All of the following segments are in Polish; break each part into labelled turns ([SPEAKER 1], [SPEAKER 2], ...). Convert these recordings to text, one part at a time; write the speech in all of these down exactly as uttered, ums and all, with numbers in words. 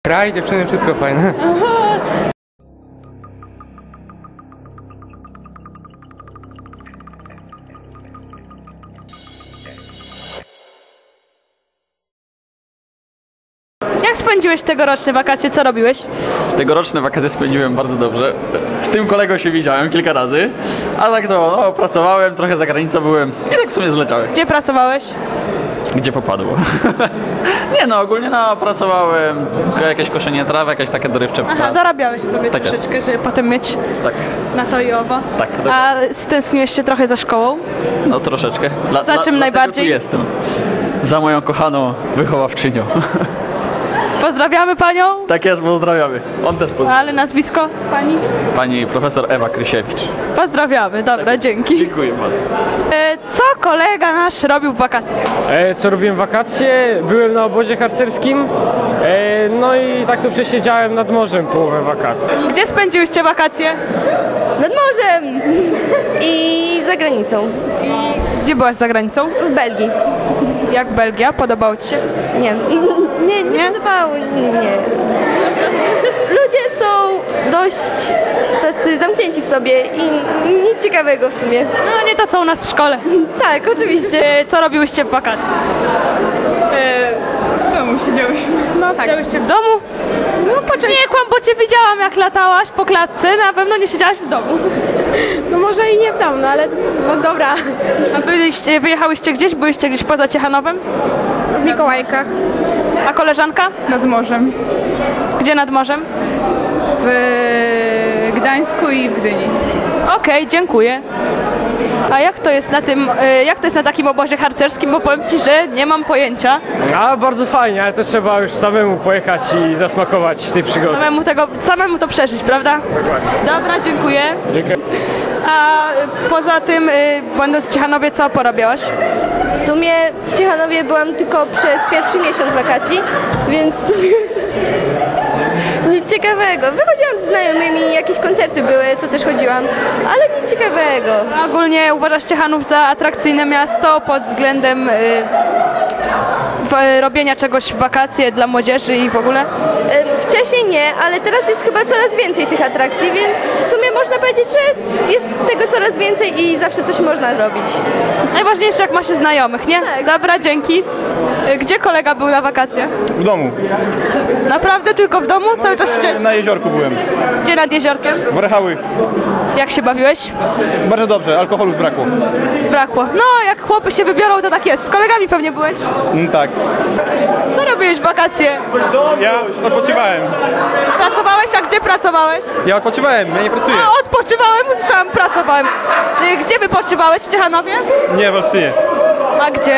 [SPEAKER 1] Kraj, dziewczyny, wszystko fajne.
[SPEAKER 2] Jak spędziłeś tegoroczne wakacje? Co robiłeś?
[SPEAKER 3] Tegoroczne wakacje spędziłem bardzo dobrze. Z tym kolegą się widziałem kilka razy, a tak to no, pracowałem, trochę za granicą byłem i tak w sumie zleciałem.
[SPEAKER 2] Gdzie pracowałeś?
[SPEAKER 3] Gdzie popadło? Nie no, ogólnie no, pracowałem, jakieś koszenie traw, jakieś takie dorywcze
[SPEAKER 2] Aha,
[SPEAKER 3] prace.
[SPEAKER 2] dorabiałeś sobie
[SPEAKER 3] Tak jest.
[SPEAKER 2] troszeczkę, żeby potem mieć
[SPEAKER 3] Tak,
[SPEAKER 2] na to i owo.
[SPEAKER 3] tak.
[SPEAKER 2] A stęskniłeś się trochę za szkołą?
[SPEAKER 3] No troszeczkę. Dla,
[SPEAKER 2] Za czym
[SPEAKER 3] dla,
[SPEAKER 2] najbardziej?
[SPEAKER 3] Tu jestem. Za moją kochaną wychowawczynią.
[SPEAKER 2] Pozdrawiamy panią.
[SPEAKER 3] Tak jest, pozdrawiamy. On też pozdrawia.
[SPEAKER 2] Ale nazwisko pani?
[SPEAKER 3] Pani profesor Ewa Krysiewicz.
[SPEAKER 2] Pozdrawiamy, dobra, dzięki.
[SPEAKER 3] Dziękuję bardzo.
[SPEAKER 2] E, co kolega nasz robił w wakacje?
[SPEAKER 1] E, co robiłem w wakacje? Byłem na obozie harcerskim. E, no i tak to przesiedziałem nad morzem połowę wakacji.
[SPEAKER 2] Gdzie spędziłyście wakacje?
[SPEAKER 4] Nad morzem i za granicą.
[SPEAKER 2] I gdzie byłaś za granicą?
[SPEAKER 4] W Belgii.
[SPEAKER 2] Jak Belgia? Podobało ci się?
[SPEAKER 4] Nie. Nie, nie, nie podobało. Nie. Ludzie są dość tacy zamknięci w sobie i nic ciekawego w sumie.
[SPEAKER 2] No nie to co u nas w szkole.
[SPEAKER 4] Tak, oczywiście.
[SPEAKER 2] E, co robiłyście w wakacje?
[SPEAKER 4] W domu siedziałyśmy.
[SPEAKER 2] No tak. Siedziałyście w domu? No poczekaj. Nie kłam, bo cię widziałam jak latałaś po klatce, na pewno nie siedziałaś w domu.
[SPEAKER 4] No może i nie w domu, no ale no dobra.
[SPEAKER 2] A byliście, wyjechałyście gdzieś? Byliście gdzieś poza Ciechanowem?
[SPEAKER 4] W Mikołajkach.
[SPEAKER 2] A koleżanka?
[SPEAKER 4] Nad morzem.
[SPEAKER 2] Gdzie nad morzem?
[SPEAKER 4] W Gdańsku i w Gdyni.
[SPEAKER 2] Okej, dziękuję. A jak to jest na tym, e, jak to jest na takim obozie harcerskim, bo powiem ci, że nie mam pojęcia.
[SPEAKER 1] A bardzo fajnie, ale to trzeba już samemu pojechać i zasmakować tej przygody.
[SPEAKER 2] Samemu tego, samemu to przeżyć, prawda? Dobra, dziękuję.
[SPEAKER 1] Dziękuję.
[SPEAKER 2] A e, poza tym, e, będąc w Ciechanowie, co porabiałaś?
[SPEAKER 4] W sumie w Ciechanowie byłam tylko przez pierwszy miesiąc wakacji, więc w sumie nic ciekawego. Wychodziłam z znajomymi, jakieś koncerty były, to też chodziłam, ale nic ciekawego.
[SPEAKER 2] A ogólnie uważasz Ciechanów za atrakcyjne miasto pod względem e, w, robienia czegoś w wakacje dla młodzieży i w ogóle?
[SPEAKER 4] E, Wcześniej nie, ale teraz jest chyba coraz więcej tych atrakcji, więc w sumie można powiedzieć, że jest tego coraz więcej i zawsze coś można zrobić.
[SPEAKER 2] Najważniejsze jak ma się znajomych, nie?
[SPEAKER 4] Tak.
[SPEAKER 2] Dobra, dzięki. E, Gdzie kolega był na wakacjach?
[SPEAKER 5] W domu.
[SPEAKER 2] Naprawdę tylko w domu? Cały czas siedziałeś?
[SPEAKER 5] Na jeziorku byłem.
[SPEAKER 2] Gdzie nad jeziorkiem?
[SPEAKER 5] Warszawy.
[SPEAKER 2] Jak się bawiłeś?
[SPEAKER 5] Bardzo dobrze, alkoholu zbrakło.
[SPEAKER 2] Brakło. No, jak chłopy się wybiorą, to tak jest. Z kolegami pewnie byłeś.
[SPEAKER 5] Mm, tak.
[SPEAKER 2] Co robiłeś w wakacje?
[SPEAKER 5] Ja odpoczywałem.
[SPEAKER 2] Pracowałeś? A gdzie pracowałeś?
[SPEAKER 1] Ja odpoczywałem, ja nie pracuję.
[SPEAKER 2] A, odpoczywałem, usłyszałam, pracowałem. Y, Gdzie wypoczywałeś? W Ciechanowie?
[SPEAKER 1] Nie, w Olsztynie.
[SPEAKER 2] A gdzie?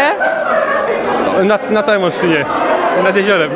[SPEAKER 1] Na, na całym Olsztynie. Nad jeziorem.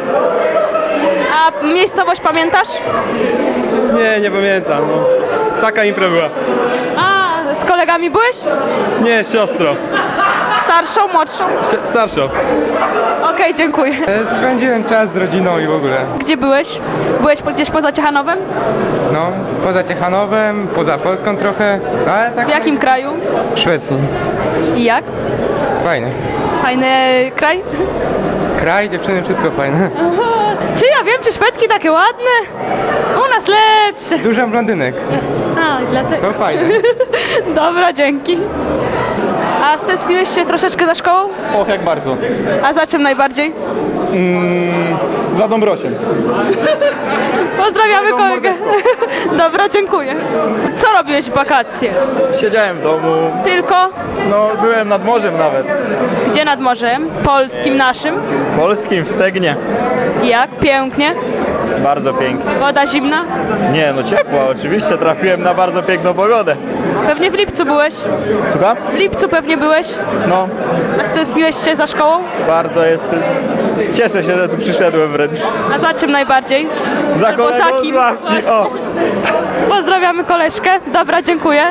[SPEAKER 2] A miejscowość pamiętasz?
[SPEAKER 1] Nie, nie pamiętam. No. Taka impra była.
[SPEAKER 2] A, z kolegami byłeś?
[SPEAKER 1] Nie, siostro.
[SPEAKER 2] Starszą, młodszą?
[SPEAKER 1] Si- starszą.
[SPEAKER 2] Okej, dziękuję.
[SPEAKER 1] E, Spędziłem czas z rodziną i w ogóle.
[SPEAKER 2] Gdzie byłeś? Byłeś po- gdzieś poza Ciechanowem?
[SPEAKER 1] No, poza Ciechanowem, poza Polską trochę, ale tak
[SPEAKER 2] W jakim kraju?
[SPEAKER 1] w Szwecji.
[SPEAKER 2] I jak?
[SPEAKER 1] Fajnie.
[SPEAKER 2] Fajny kraj?
[SPEAKER 1] Kraj, dziewczyny, wszystko fajne.
[SPEAKER 2] Czy ja wiem, czy Szwedki takie ładne? U nas lepsze.
[SPEAKER 1] Dużo blondynek.
[SPEAKER 2] A, dlatego.
[SPEAKER 1] To fajne.
[SPEAKER 2] Dobra, dzięki. A stęskniłeś się troszeczkę za szkołą?
[SPEAKER 5] Och, jak bardzo.
[SPEAKER 2] A za czym najbardziej?
[SPEAKER 5] Mm, za Dąbrosiem.
[SPEAKER 2] Pozdrawiamy kolegę. Dobra, dziękuję. Co robiłeś w wakacje?
[SPEAKER 5] Siedziałem w domu.
[SPEAKER 2] Tylko?
[SPEAKER 5] No, byłem nad morzem nawet.
[SPEAKER 2] Gdzie nad morzem? Polskim naszym?
[SPEAKER 5] Polskim, w Stegnie.
[SPEAKER 2] Jak? Pięknie?
[SPEAKER 5] Bardzo pięknie.
[SPEAKER 2] Woda zimna?
[SPEAKER 5] Nie, no ciepło, oczywiście. Trafiłem na bardzo piękną pogodę.
[SPEAKER 2] Pewnie w lipcu byłeś?
[SPEAKER 5] Słucham?
[SPEAKER 2] W lipcu pewnie byłeś?
[SPEAKER 5] No,
[SPEAKER 2] A stęskniłeś się za szkołą?
[SPEAKER 5] bardzo jest... Cieszę się, że tu przyszedłem wręcz.
[SPEAKER 2] A za czym najbardziej?
[SPEAKER 5] Za
[SPEAKER 2] Albo
[SPEAKER 5] kolegą
[SPEAKER 2] za
[SPEAKER 5] z
[SPEAKER 2] kim?
[SPEAKER 5] ławki, o!
[SPEAKER 2] Pozdrawiamy koleżkę. Dobra, dziękuję.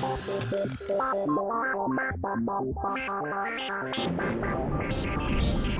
[SPEAKER 6] Thank you.